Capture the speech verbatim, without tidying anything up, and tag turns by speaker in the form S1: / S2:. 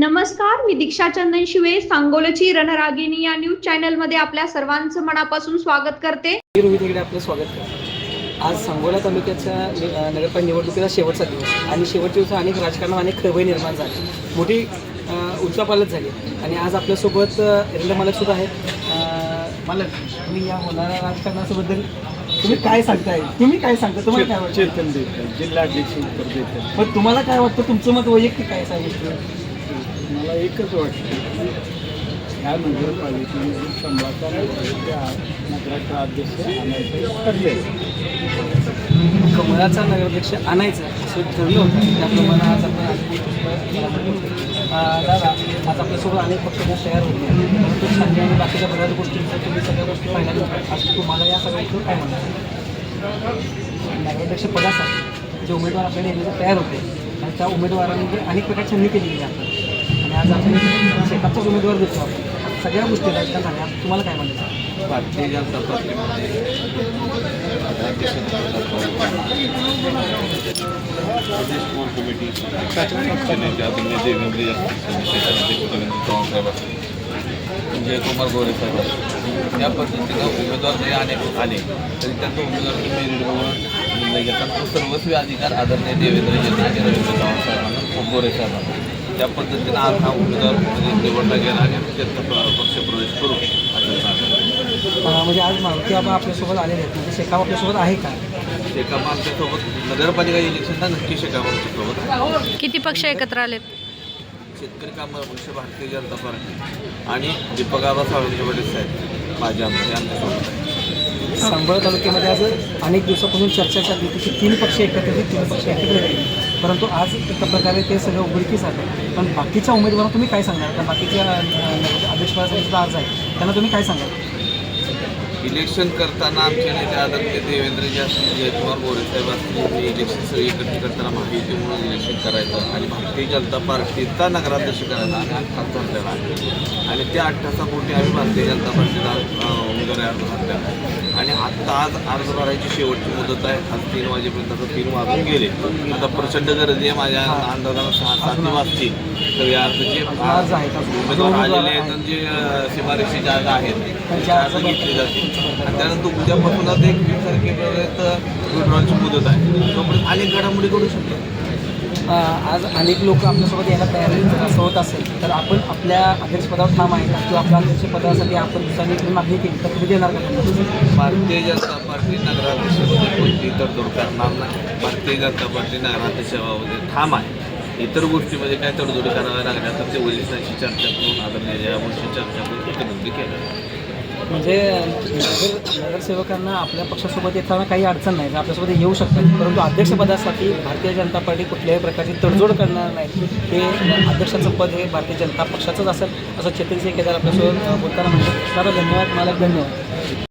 S1: नमस्कार, मी दीक्षा चंदन शिवे, सांगोलची रणरागिणी या न्यूज चॅनलमध्ये आपल्या सर्वांचं मनापासून स्वागत करते.
S2: मी रोहित हेगडे आपलं स्वागत करतो. आज सांगोला तालुक्याच्या नगरपालिका निवडणुकीचा शेवटचा दिवस आणि शेवटच्या दिवसात अनेक राजकारणात अनेक खळबळ निर्माण झाली, मोठी उलचापालट झाली आणि आज आपल्यासोबत एरंडा मालकसुद्धा आहेत. मालक, तुम्ही या होणाऱ्या राजकारणाबद्दल तुम्ही काय सांगताय? तुम्ही काय सांगता? तुम्हाला काय वाटतं?
S3: चेतन देतात, जिल्हाध्यक्ष उत्तर देतात.
S2: पण तुम्हाला काय वाटतं? तुमचं मत वैयक्तिक काय सांगितलं?
S3: मला एकच वाटतं, ह्या नगरपालिकेमध्ये संभाचा नगराचा अध्यक्ष आणायचं ठरले.
S2: कमळाचा नगराध्यक्ष आणायचं असं ठरलं होतं. त्याप्रमाणे आज आपण दादा आज आपल्यासोबत अनेक पक्ष तयार होते, परंतु संजय आणि बाकीच्या बऱ्याच गोष्टींचं तुम्ही सगळ्या गोष्टी पाहिल्यानंतर आज तुम्हाला या सगळ्याचं काय म्हणतात? नगराध्यक्ष पदासाठी जे उमेदवार आपल्याला येण्याचे तयार होते आणि त्या उमेदवारांनी अनेक प्रकारची संधी केलेली आहे आणि आज आपण शेकापचाच उमेदवार देतो. आपण सगळ्या गोष्टी राजकारण झाल्या. तुम्हाला काय म्हणायचं?
S3: भारतीय जनता पार्टीमध्ये कोर कमिटी नेते आदरणीय देवेंद्र चव्हाण साहेब असतील, जयकुमार गोरे साहेब असतील, या पद्धतीनं उमेदवार जरी अनेक आले तरी त्यांचा उमेदवार मेरिट बघून निर्णय घेतात. तो सर्वस्वी अधिकार आदरणीय देवेंद्र आणि रवींद्र चव्हाण साहेबांना गोरे साहेबांना त्या पद्धतीनं आज हा उमेदवार निवडला गेला आणि त्यांचा पक्ष प्रवेश करू असं सांगतो.
S2: म्हणजे आज मारुती बाबा आपल्यासोबत आलेले आहेत, म्हणजे शेकाप आपल्यासोबत आहे का?
S3: शेकाप आमच्यासोबत नगरपालिका इलेक्शनला नक्की शेकाप आमच्यासोबत.
S1: किती पक्ष एकत्र आलेत?
S3: शेतकरी कामगार पक्ष, भारतीय जनता पार्टी आणि दीपक आबा सावंत पाटील साहेब माझे आमचे आमच्यासोबत आहे.
S2: सांगोला तालुक्यामध्ये आज अनेक दिवसापासून चर्चा चालली होती की तीन पक्ष एकत्र येतील, तीन पक्ष एकत्र येतील, परंतु आज एका प्रकारे ते सगळं उघडकीस आहे. पण बाकीच्या उमेदवारांना तुम्ही काय सांगणार? कारण बाकीच्या अध्यक्षपदासाठी सुद्धा अर्ज आहे, त्यांना तुम्ही काय सांगाल?
S3: इलेक्शन करताना आमचे नेते आदरणीय देवेंद्रजी असतील, जयकुमार गोरे साहेब असतील, हे इलेक्शन सगळी एकत्र करताना माहिती म्हणून इलेक्शन करायचं आणि भारतीय जनता पार्टीचा नगराध्यक्ष करायचा आणि अठ्ठास भरलेला आहे आणि त्या अठ्ठासापोटी आम्ही भारतीय जनता पार्टीचा उमेदवारी अर्ज भरलेला आहे आणि आत्ता आज अर्ज भरायची शेवटची मुदत आहे. आज तीन वाजेपर्यंत आता तीन वाजून गेले. आता प्रचंड गर्दी आहे. माझ्या अंदाजानं सहा सात वाजतील तर या अर्जाचे
S2: अर्ज आहेत
S3: उमेदवार आलेले आहेत आणि जे सीमारेषेचे अर्ज आहेत त्याचे अर्ज घेतले जातील आणि त्यानंतर उद्यापासूनच एक वीस तारखेपर्यंत विड्रॉलची मुदत आहे. तोपर्यंत अनेक घडामोडी करू शकतो.
S2: आज अनेक लोक आपल्यासोबत यायला तयार जर असं होत असेल तर आपण आपल्या अध्यक्षपदावर ठाम आहे का? किंवा आपल्या अध्यक्षपदासाठी आपण दुसऱ्यांनी मागणी केली तर तुम्ही देणार का?
S3: भारतीय जनता पार्टी नगराध्यक्षामध्ये कोणतीही तरतूद करणार नाही. भारतीय जनता पार्टी नगराध्यक्षामध्ये ठाम आहे. इतर गोष्टीमध्ये काय तडजोडी कराव्या लागल्या तर ते वरिष्ठांशी चर्चा करून आदरणीय या गोष्टी चर्चा करून एकत्रित केल्या.
S2: म्हणजे नगर नगरसेवकांना आपल्या पक्षासोबत येताना काही अडचण नाही, आपल्यासोबत येऊ शकतात, परंतु अध्यक्षपदासाठी भारतीय जनता पार्टी कुठल्याही प्रकारची तडजोड करणार नाही. हे अध्यक्षाचं पद हे भारतीय जनता पक्षाचंच असेल असं चेतन सिंह केदार आपल्यासोबत बोलताना म्हणतात. दादा धन्यवाद. मला धन्यवाद.